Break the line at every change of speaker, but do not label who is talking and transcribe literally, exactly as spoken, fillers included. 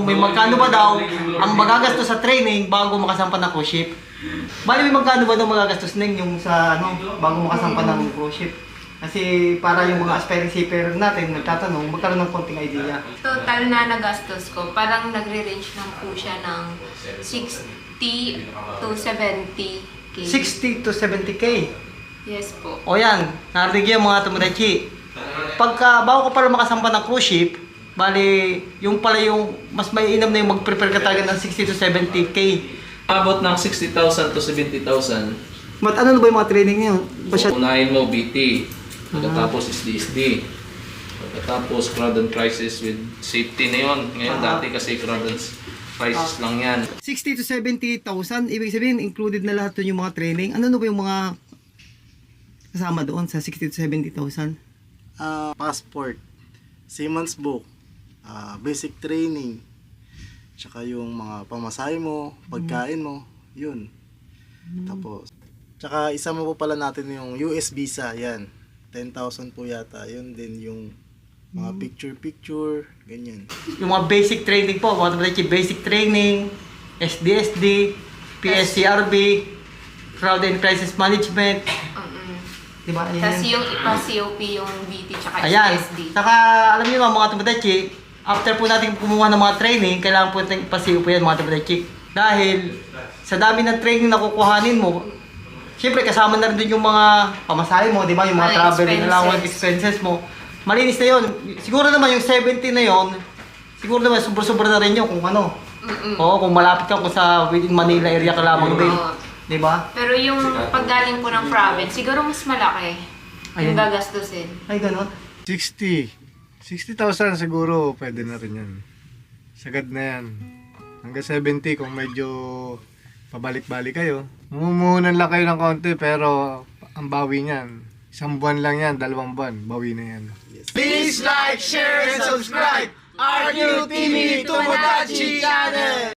kung may magkano ba daw ang magagastos sa training bago makasampa ng cruise ship. Bali, may magkano ba daw magagastos ning yung sa ano, bago makasampa ng cruise ship? Kasi para yung mga aspiring seafarer natin nagtatanong, magkaroon ng konting idea.
Total na nagastos ko, parang nagre-range lang po siya ng sixty to seventy K.
sixty to seventy K.
Yes po.
O yan, narinig yung mga Tomodachi. Pagka bago ka para makasampa ng cruise ship, bali, yung pala yung mas may inam na yung mag-prepare ka talaga ng sixty to seventy K.
Abot ng sixty thousand to seventy thousand.
Mat ano na ba yung mga training niyo? Pasya...
Unahin mo B T, pagkatapos S D S D, pagkatapos crowd and crisis with safety na yun. Ngayon
Ah.
dati kasi crowd and crisis lang yan.
sixty to seventy thousand, ibig sabihin included na lahat dun yung mga training. Ano na ba yung mga kasama doon sa sixty to seventy thousand?
Uh, passport, seaman's book, uh, basic training, tsaka yung mga pamasahe mo, pagkain mo, yun. Tapos, tsaka isa mo po pala natin yung U S visa, yan. ten thousand po yata, yun din yung mga picture-picture, ganyan.
Yung mga basic training po, mga Tomodachi, basic training, S D S D, P S C R B, Crowd and Crisis Management.
Mm-mm.
Diba? Ayan.
Tapos yung ipa-C O P, yung B T, tsaka
Ayan.
S D S D.
Saka, alam niyo mga Tomodachi, after po natin kumuha ng mga training, kailangan po natin ipasiyo po yan mga Tomodachi. Dahil, sa dami ng training na kukuhanin mo, siyempre kasama na rin dun yung mga pamasahe mo, di ba? Yung mga
Mga
traveling
expenses.
allowance expenses mo. Malinis na yun. Siguro naman yung seventy na yun, siguro naman sobra-sobra na rin yun kung ano.
Mm-mm.
Oo, kung malapit ka kung sa within Manila area ka lamang din.
Oo.
Di ba?
Pero yung paggaling po ng province, siguro mas malaki
Ayun.
yung gagastusin.
Ay, ganun.
sixty. sixty thousand siguro pwede na rin yan. Sagad na yan. Hanggang seventy kung medyo pabalik-balik kayo. Mumuhunan lang kayo ng konti pero ang bawi niyan. Isang buwan lang yan, dalawang buwan, bawi na yan.
Please like, share, and subscribe our new T V Tomodachi channel!